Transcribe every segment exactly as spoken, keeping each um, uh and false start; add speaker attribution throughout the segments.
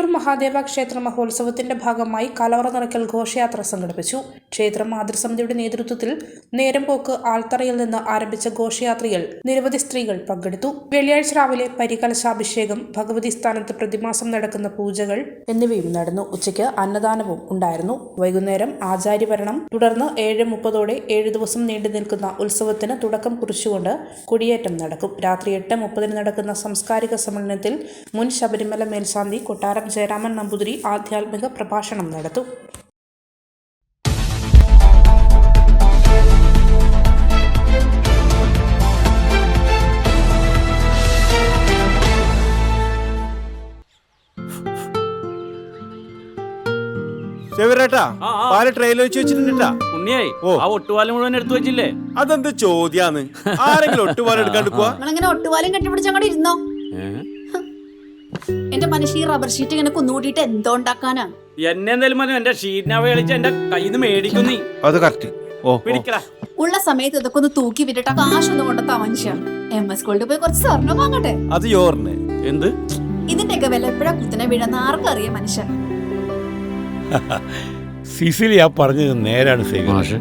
Speaker 1: തിരൂർ മഹാദേവ ക്ഷേത്ര മഹോത്സവത്തിന്റെ ഭാഗമായി കലവറ നിറയ്ക്കൽ ഘോഷയാത്ര സംഘടിപ്പിച്ചു. ക്ഷേത്ര മാതൃസമിതിയുടെ നേതൃത്വത്തിൽ നേരംപോക്ക് ആൽത്തറയിൽ നിന്ന് ആരംഭിച്ച ഘോഷയാത്രയിൽ നിരവധി സ്ത്രീകൾ പങ്കെടുത്തു. വെള്ളിയാഴ്ച രാവിലെ പരികലശാഭിഷേകം, ഭഗവതി സ്ഥാനത്ത് പ്രതിമാസം നടക്കുന്ന പൂജകൾ എന്നിവയും നടന്നു. ഉച്ചയ്ക്ക് അന്നദാനവും ഉണ്ടായിരുന്നു. വൈകുന്നേരം ആചാര്യഭരണം. തുടർന്ന് ഏഴ് മുപ്പതോടെ ഏഴു ദിവസം നീണ്ടു നിൽക്കുന്ന ഉത്സവത്തിന് തുടക്കം കുറിച്ചുകൊണ്ട് കൊടിയേറ്റം നടക്കും. രാത്രി എട്ട് മുപ്പതിന് നടക്കുന്ന സാംസ്കാരിക സമ്മേളനത്തിൽ മുൻ ശബരിമല മേൽശാന്തി കൊട്ടാരം ജയരാമൻ നമ്പൂതിരി ആധ്യാത്മിക പ്രഭാഷണം നടത്തും.
Speaker 2: അതെന്ത് ചോദ്യാന്ന്? ആരെങ്കിലും ഒട്ടുപാലം എടുക്കാണ്ടിരിക്കുക?
Speaker 3: ഒട്ടുപാലം കെട്ടിപ്പിടിച്ചങ്ങോട്ട് ഇരുന്നോ. എന്റെ മനുഷ്യ ഈ റബ്ബർ ഷീറ്റ് ഇങ്ങനെ കുന്നുകൂട്ടിട്ട് എന്തോ ഉണ്ടാക്കാനാ?
Speaker 4: എന്നെ എന്തായാലും മതി, എന്റെ ഷീറ്റിനെ കളിച്ച് എന്റെ കയ്യിൽ നിന്ന് മേടിക്കുന്നേ.
Speaker 2: അത് കറക്റ്റ്.
Speaker 3: ഉള്ള സമയത്ത് ഇതൊക്കെ ഒന്ന് തൂക്കി വിട്ടിട്ട് കാശൊന്നും കൊണ്ടെത്താ മനുഷ്യ. എം എസ് ഗോൾഡ് പോയി കുറച്ച് സ്വർണ്ണം വാങ്ങട്ടെ.
Speaker 2: അത് യോറിന്
Speaker 4: എന്ത്
Speaker 3: ഇതിന്റെയൊക്കെ വില എപ്പോഴാ കുത്തിനെ വീഴുന്ന ആർക്കറിയാം മനുഷ്യൻ.
Speaker 5: സിസിലി ആ പറഞ്ഞത് നേരാണ് സേവ.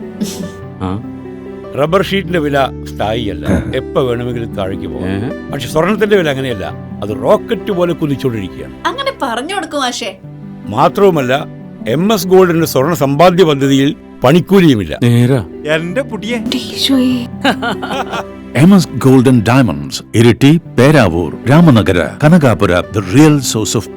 Speaker 5: റബ്ബർ ഷീറ്റിന്റെ വില സ്ഥായിയല്ല, എപ്പോ വേണമെങ്കിലും താഴേക്ക് പോകാം. പക്ഷെ സ്വർണത്തിന്റെ വില അങ്ങനെയല്ല, അത് റോക്കറ്റ് പോലെ കുതിച്ചുകൊണ്ടിരിക്കുകയാണ്.
Speaker 3: അങ്ങനെ പറഞ്ഞു കൊടുക്കും മാഷേ.
Speaker 5: മാത്രവുമല്ല, എം എസ് ഗോൾഡിന്റെ സ്വർണ്ണ സമ്പാദ്യ പദ്ധതിയിൽ പണിക്കൂലിയുമില്ല.
Speaker 2: എന്റെ പുതിയ
Speaker 6: M S golden diamonds, Iritty, Peravoor, Ramanagara, Kanakapura, the real source of